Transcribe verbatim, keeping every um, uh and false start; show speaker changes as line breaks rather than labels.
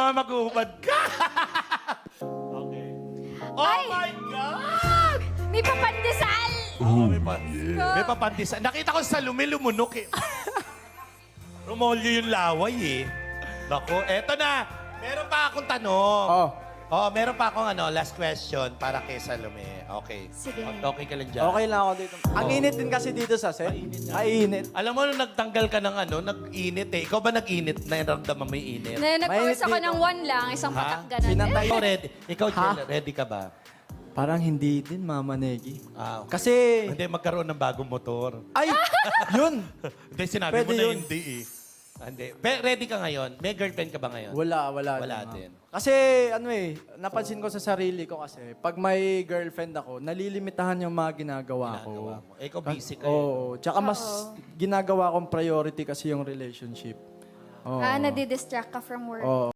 baka maghuhubad ka. Okay. Oh
Ay!
my God!
May papandesal!
Oh, may, pa may papandisa. Nakita ko sa lumi, lumunok eh. Rumolyo yung laway eh. Naku, eto na. Meron pa akong tanong.
Oh.
Oh, meron pa akong ano, last question para kay Salome. Okay.
Sige.
Okay ka lang dyan.
Okay lang ako dito. Ang init din kasi dito sa set. Mainit.
Alam mo, nung nagtanggal ka ng ano, nag-init eh. Ikaw ba nag-init? Nairamdaman mo yung init?
Na, nag-course ako
dito.
ng one lang, isang
Ha?
patak ganun.
Pinatay.
Ikaw ready? Ikaw,
Ha?
Jel, ready ka ba?
Parang hindi din, Mama Negi.
Ah, okay.
Kasi,
Hindi, magkaroon ng bagong motor.
ay, yun.
Hindi, sinabi
Pwede
mo na
yun.
hindi eh. Ah, Hindi. Pe- ready ka ngayon? May girlfriend ka ba ngayon?
Wala, wala.
Wala
din,
din.
ma'am. Kasi, ano eh, napansin ko sa sarili ko kasi, pag may girlfriend ako, nalilimitahan yung mga ginagawa ko.
Ginagawa mo. Eh, ikaw busy ka eh.
Oo. Tsaka mas ginagawa kong priority kasi yung relationship. Oo.
Ah, nadidistract ka from work.
Oo.